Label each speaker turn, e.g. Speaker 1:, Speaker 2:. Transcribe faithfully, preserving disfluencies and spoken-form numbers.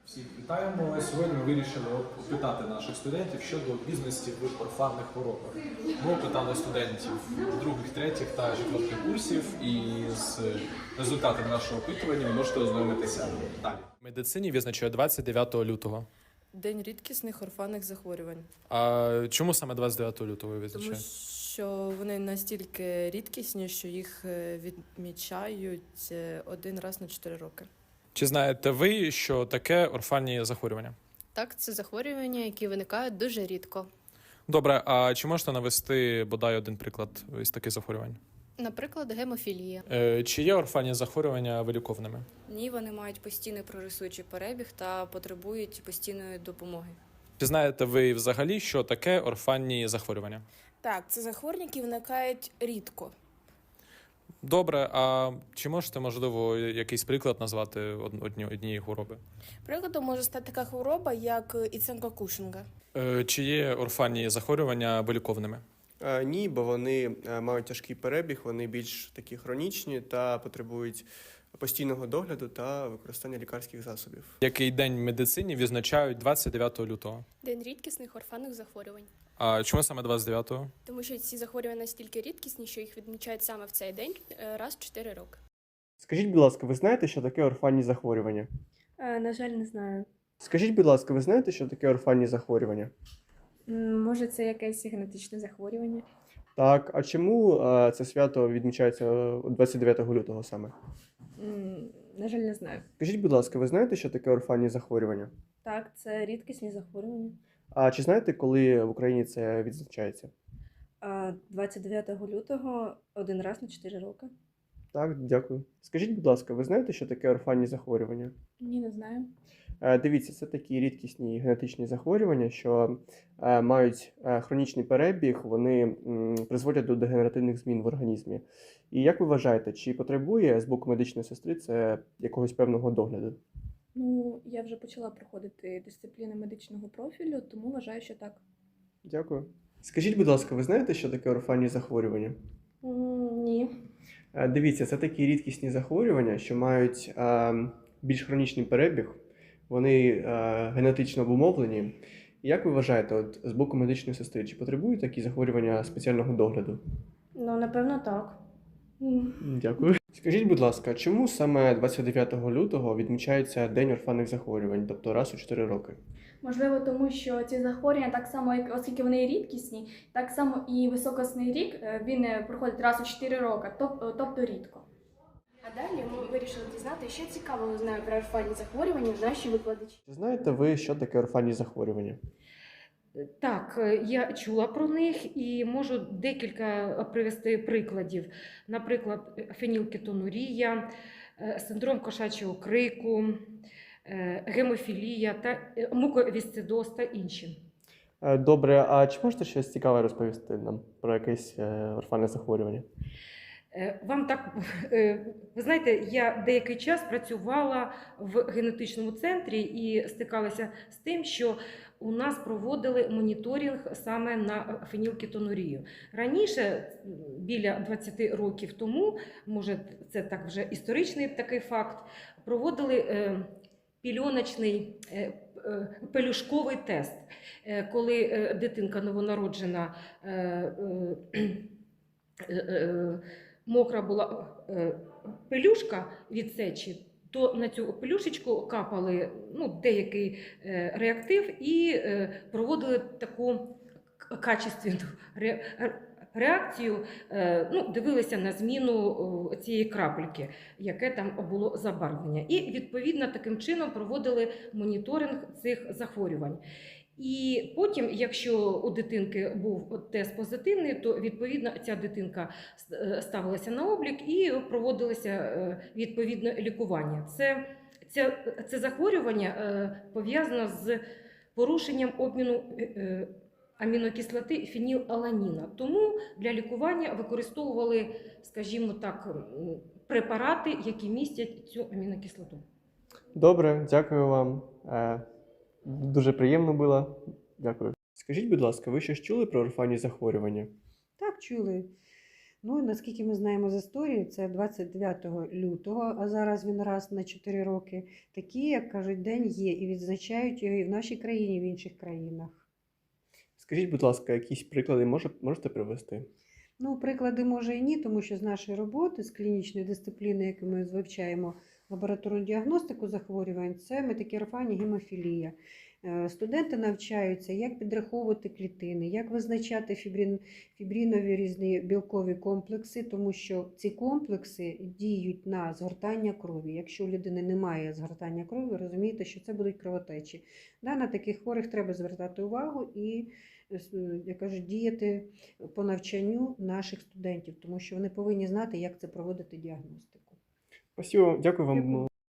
Speaker 1: Всіх вітаємо. Сьогодні ми вирішили опитати наших студентів щодо обізнаності в орфанних хворобах. Ми опитали студентів других, третіх та четвертих курсів, і з результатами нашого опитування ви можете ознайомитися далі.
Speaker 2: В медицині визначає двадцять дев'ятого лютого.
Speaker 3: День рідкісних орфанних захворювань.
Speaker 2: А чому саме двадцять дев'ятого лютого ви
Speaker 3: Тому
Speaker 2: визначаєте?
Speaker 3: що вони настільки рідкісні, що їх е, відмічають е, один раз на чотири роки.
Speaker 2: Чи знаєте ви, що таке орфанні захворювання?
Speaker 4: Так, це захворювання, які виникають дуже рідко.
Speaker 2: Добре, а чи можете навести бодай один приклад із таких захворювань?
Speaker 4: Наприклад, гемофілія.
Speaker 2: Е, чи є орфанні захворювання виліковними?
Speaker 5: Ні, вони мають постійний прогресуючий перебіг та потребують постійної допомоги.
Speaker 2: Чи знаєте ви взагалі, що таке орфанні захворювання?
Speaker 6: Так, це захворювання, які виникають рідко.
Speaker 2: Добре, а чи можете, можливо, якийсь приклад назвати одні, однієї хвороби?
Speaker 6: Прикладом може стати така хвороба, як Іценко Кушинга.
Speaker 2: Е, чи є орфанні захворювання виліковними?
Speaker 7: Е, Ні, бо вони е, мають тяжкий перебіг, вони більш такі хронічні та потребують постійного догляду та використання лікарських засобів.
Speaker 2: Який день в медицині відзначають двадцять дев'ятого лютого?
Speaker 8: День рідкісних орфанних захворювань.
Speaker 2: А чому саме двадцять дев'ятого?
Speaker 8: Тому що ці захворювання настільки рідкісні, що їх відмічають саме в цей день е, раз в чотири роки.
Speaker 9: Скажіть, будь ласка, ви знаєте, що таке орфанні захворювання?
Speaker 10: Е, на жаль, не знаю.
Speaker 9: Скажіть, будь ласка, ви знаєте, що таке орфанні захворювання?
Speaker 10: М, Може, це якесь генетичне захворювання?
Speaker 9: Так, а чому е, це свято відмічається двадцять дев'ятого лютого саме?
Speaker 10: М, На жаль, не знаю.
Speaker 9: Скажіть, будь ласка, ви знаєте, що таке орфанні захворювання?
Speaker 10: Так, це рідкісні захворювання.
Speaker 9: А чи знаєте, коли в Україні це відзначається?
Speaker 10: А двадцять дев'ятого лютого один раз на чотири роки.
Speaker 9: Так, дякую. Скажіть, будь ласка, ви знаєте, що таке орфанні захворювання?
Speaker 10: Ні, не знаю.
Speaker 9: Е, Дивіться, це такі рідкісні генетичні захворювання, що е, мають е, хронічний перебіг, вони м, призводять до дегенеративних змін в організмі. І як ви вважаєте, чи потребує з боку медичної сестри це якогось певного догляду?
Speaker 10: Ну, я вже почала проходити дисципліни медичного профілю, тому вважаю, що так.
Speaker 9: Дякую. Скажіть, будь ласка, ви знаєте, що таке орфанні захворювання?
Speaker 10: М, Ні.
Speaker 9: Е, Дивіться, це такі рідкісні захворювання, що мають е, більш хронічний перебіг, вони е, генетично обумовлені. І як ви вважаєте, от з боку медичної сестри, чи потребують такі захворювання спеціального догляду?
Speaker 10: Ну, напевно, так. М.
Speaker 9: Дякую. Скажіть, будь ласка, чому саме двадцять дев'ятого лютого відмічається День орфанних захворювань, тобто раз у чотири роки?
Speaker 11: Можливо, тому що ці захворювання, так само, як оскільки вони рідкісні, так само і високосний рік е, він е, проходить раз у чотири роки, тоб- тобто рідко.
Speaker 8: А далі ми вирішили дізнати, що цікавого знає про орфанні захворювання наші викладачі.
Speaker 9: Чи знаєте ви, що таке орфанні захворювання?
Speaker 12: Так, я чула про них і можу декілька привести прикладів. Наприклад, фенілкетонурія, синдром кошачого крику, гемофілія, та муковісцидоз та інші.
Speaker 9: Е, Добре, а чи можете щось цікаве розповісти нам про якесь е, орфанне захворювання?
Speaker 12: Вам так, ви знаєте, я деякий час працювала в генетичному центрі і стикалася з тим, що у нас проводили моніторинг саме на фенілкетонурію. Раніше, біля двадцяти років тому, може це так вже історичний такий факт, проводили пільоночний пелюшковий тест, коли дитинка новонароджена мокра була пелюшка від сечі, то на цю пелюшечку капали ну, деякий е, реактив і е, проводили таку качественну ре, реакцію, е, ну, дивилися на зміну о, цієї крапельки, яке там було забарвлення. І відповідно таким чином проводили моніторинг цих захворювань. І потім, якщо у дитинки був тест позитивний, то відповідно ця дитинка ставилася на облік і проводилося відповідне лікування. Це, це, це захворювання пов'язано з порушенням обміну амінокислоти фенілаланіна. Тому для лікування використовували, скажімо так, препарати, які містять цю амінокислоту.
Speaker 9: Добре, дякую вам. Е, Дуже приємно було. Дякую. Скажіть, будь ласка, ви щось чули про орфанні захворювання?
Speaker 13: Так, чули. Ну, наскільки ми знаємо з історії, це двадцять дев'ятого лютого, а зараз він раз на чотири роки. Такі, як кажуть, день є, і відзначають його і в нашій країні, і в інших країнах.
Speaker 9: Скажіть, будь ласка, якісь приклади може, можете привести?
Speaker 13: Ну, приклади може і ні, тому що з нашої роботи, з клінічної дисципліни, яку ми вивчаємо лабораторну діагностику захворювань, це метакерфанія, гемофілія. Е, Студенти навчаються, як підраховувати клітини, як визначати фібрин, фібринові різні білкові комплекси, тому що ці комплекси діють на згортання крові. Якщо у людини немає згортання крові, ви розумієте, що це будуть кровотечі. Да, на таких хворих треба звертати увагу і, як кажуть, діяти по навчанню наших студентів, тому що вони повинні знати, як це проводити діагностику.
Speaker 9: Спасибо, дякую вам.
Speaker 13: Дякую.